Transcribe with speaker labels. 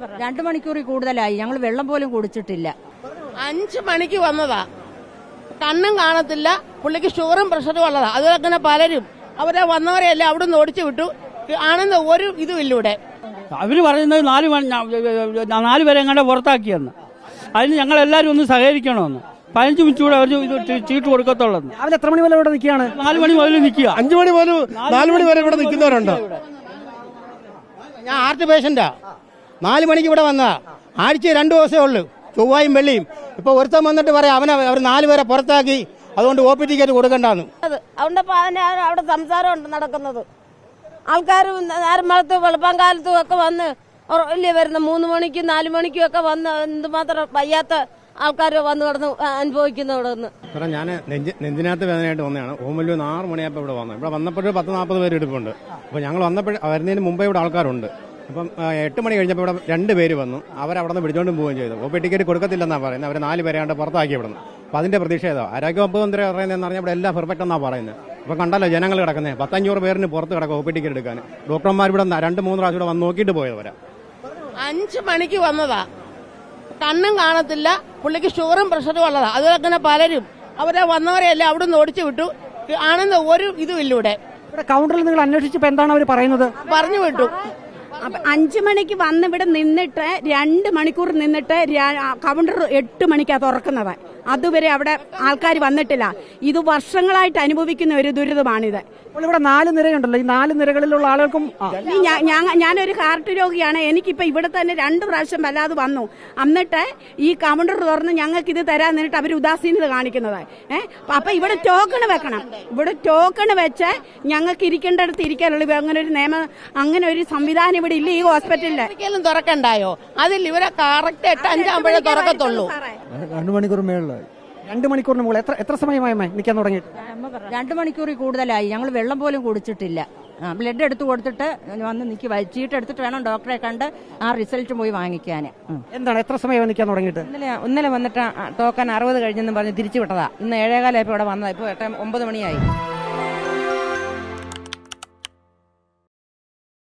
Speaker 1: 2 മണിക്കൂറിൽ കൂടുതലായി. ഞങ്ങൾ വെള്ളം പോലും കുടിച്ചിട്ടില്ല.
Speaker 2: 5 മണിക്ക് വന്നതാ. കണ്ണും കാണത്തില്ല, പുള്ളിക്ക് ഷുഗറും പ്രഷറും ഉള്ളതാ. അതുപോലെ തന്നെ പലരും അവരെ വന്നവരെയല്ലേ അവിടെ നിന്ന് ഓടിച്ചു വിട്ടു. ആണെന്ന് ഒരു ഇതുമില്ല ഇവിടെ.
Speaker 3: അവര് പറയുന്നത് 4 പേരെ എങ്ങാണ്ട് പുറത്താക്കിയെന്ന്. അതിന് ഞങ്ങൾ എല്ലാവരും ഒന്ന് സഹകരിക്കണമെന്ന്. 15 മിനിറ്റ് കൂടെ അവർ ചീട്ട് കൊടുക്കത്തുള്ളൂ.
Speaker 4: രാവിലെ എത്ര മണി വരെ ഇവിടെ നിൽക്കുകയാണ്?
Speaker 3: 4 മണി മുതൽ നിൽക്കുക.
Speaker 5: 5 മണി പോലും 4 മണി വരെ ഇവിടെ നിൽക്കുന്നവരുണ്ട്. ഞാൻ ഹാർട്ട് പേഷ്യന്റാ. 4 മണിക്ക് ഇവിടെ വന്നതാ. ആഴ്ച 2 ദിവസമേ ഉള്ളൂ, ചൊവ്വായും വെള്ളിയും. ഇപ്പൊ ഒരുത്തം വന്നിട്ട് പറയാം അവർ 4 പേരെ പുറത്താക്കി, അതുകൊണ്ട് OP ടിക്കറ്റ് കൊടുക്കണ്ടെന്ന്.
Speaker 6: അതുകൊണ്ട് അവിടെ സംസാരമുണ്ട് നടക്കുന്നത്. ആൾക്കാർ നേരം വളർത്ത് വെളുപ്പം കാലത്തും ഒക്കെ വന്ന് ഇല്ലേ വരുന്ന 3 മണിക്കും 4 മണിക്കും ഒക്കെ വന്ന് എന്തുമാത്രം വയ്യാത്ത ആൾക്കാർ വന്ന് കിടന്ന് അനുഭവിക്കുന്ന ഇവിടെ നിന്ന്.
Speaker 5: ഞാൻ നെഞ്ചിനകത്ത് വേദനയായിട്ട് വന്നതാണ്. ഓമല്ലൂർ 6 മണിയായപ്പോൾ ഇവിടെ വന്നത്. ഇവിടെ വന്നപ്പോൾ 10-40 പേര് എടുപ്പുണ്ട്. അപ്പോൾ ഞങ്ങൾ വരുന്നതിന് മുമ്പേ ഇവിടെ ആൾക്കാരുണ്ട്. അപ്പം 8 മണി കഴിഞ്ഞപ്പോൾ ഇവിടെ 2 പേര് വന്നു. അവരവിടെ നിന്ന് പിടിച്ചോണ്ടും പോവുകയും ചെയ്തു. OP ടിക്കറ്റ് കൊടുക്കത്തില്ലെന്നാണ് പറയുന്നത്. അവർ 4 പേരെ കണ്ട് പുറത്താക്കി ഇവിടെ നിന്ന്. അപ്പോൾ അതിന്റെ പ്രതിഷേധം ആരോഗ്യവകുപ്പ് മന്ത്രി പറയുന്നതെന്ന് പറഞ്ഞാൽ ഇവിടെ എല്ലാം പെർഫെക്റ്റ് എന്നാണ് പറയുന്നത്. അപ്പോൾ കണ്ടല്ലോ ജനങ്ങൾ കിടക്കുന്നത്. 500 പേരിന് പുറത്ത് കിടക്കും OP ടിക്കറ്റ് എടുക്കാൻ. ഡോക്ടർമാർ ഇവിടെ 2-3 പ്രാവശ്യം ഇവിടെ വന്ന് നോക്കിയിട്ട് പോയവരാ.
Speaker 2: 5 മണിക്ക് വന്നതാ. കണ്ണും കാണത്തില്ല, പുള്ളിക്ക് ഷുഗറും പ്രഷറും ഉള്ളതാ. അതുപോലെ തന്നെ പലരും അവരെ വന്നവരെയല്ലേ അവിടെ നിന്ന് ഓടിച്ചു വിട്ടു. ആണെന്ന് ഒരു ഇതുമില്ല ഇവിടെ.
Speaker 4: കൗണ്ടറിൽ നിങ്ങൾ അന്വേഷിച്ചപ്പോൾ എന്താണ് അവർ പറയുന്നത്?
Speaker 2: പറഞ്ഞു വിട്ടു.
Speaker 6: 5 മണിക്ക് വന്ന് ഇവിടെ നിന്നിട്ട് 2 മണിക്കൂർ നിന്നിട്ട് കൗണ്ടർ 8 മണിക്കാണ് തുറക്കുന്നത്. അതുവരെ അവിടെ ആൾക്കാർ വന്നിട്ടില്ല. ഇത് വർഷങ്ങളായിട്ട് അനുഭവിക്കുന്ന ഒരു ദുരിതമാണിത്.
Speaker 4: ഇവിടെ 4 നിരയുണ്ടല്ലോ. ഈ 4 നിരകളിലുള്ള ആളുകൾക്കും
Speaker 6: ഞാനൊരു ഹാർട്ട് രോഗിയാണ്. എനിക്കിപ്പോ ഇവിടെ തന്നെ 2 പ്രാവശ്യം വല്ലാതെ വന്നു. എന്നിട്ട് ഈ കൗണ്ടർ തുറന്ന് ഞങ്ങൾക്ക് ഇത് തരാൻ നിന്നിട്ട് അവർ ഉദാസീനത കാണിക്കുന്നത്. അപ്പൊ ഇവിടെ ടോക്കൺ വെക്കണം. ഇവിടെ ടോക്കൺ വെച്ച് ഞങ്ങൾക്ക് ഇരിക്കേണ്ടടുത്ത് ഇരിക്കാനുള്ളൂ. അങ്ങനെ ഒരു നിയമം, അങ്ങനെ ഒരു സംവിധാനം ഇവിടെ ഇല്ല ഈ ഹോസ്പിറ്റലില്.
Speaker 2: ഒരിക്കലും തുറക്കണ്ടായോ? അതിൽ ഇവരെ കറക്റ്റ് 8-5 ആകുമ്പോഴേ തുറക്കത്തുള്ളൂ.
Speaker 4: 2 മണിക്കൂർ മേളിലായി. 2 മണിക്കൂറിന് മുകളിൽ എത്ര സമയമായി നിൽക്കാൻ തുടങ്ങിയിട്ട്?
Speaker 1: 2 മണിക്കൂറിൽ കൂടുതലായി. ഞങ്ങൾ വെള്ളം പോലും കുടിച്ചിട്ടില്ല. ബ്ലഡ് എടുത്തു കൊടുത്തിട്ട് വന്ന് നിൽക്കുക. ചീട്ട് എടുത്തിട്ട് വേണം ഡോക്ടറെ കണ്ട് ആ റിസൾട്ട് പോയി വാങ്ങിക്കാൻ.
Speaker 4: എന്താണ് എത്ര സമയം നിൽക്കാൻ തുടങ്ങിയിട്ട്?
Speaker 1: ഇന്നലെ വന്നിട്ട് ടോക്കൺ 60 കഴിഞ്ഞെന്ന് പറഞ്ഞ് തിരിച്ചു വിട്ടതാ. ഇന്ന് 7:15 ഇവിടെ വന്നതാ. ഇപ്പോൾ 9 മണിയായി.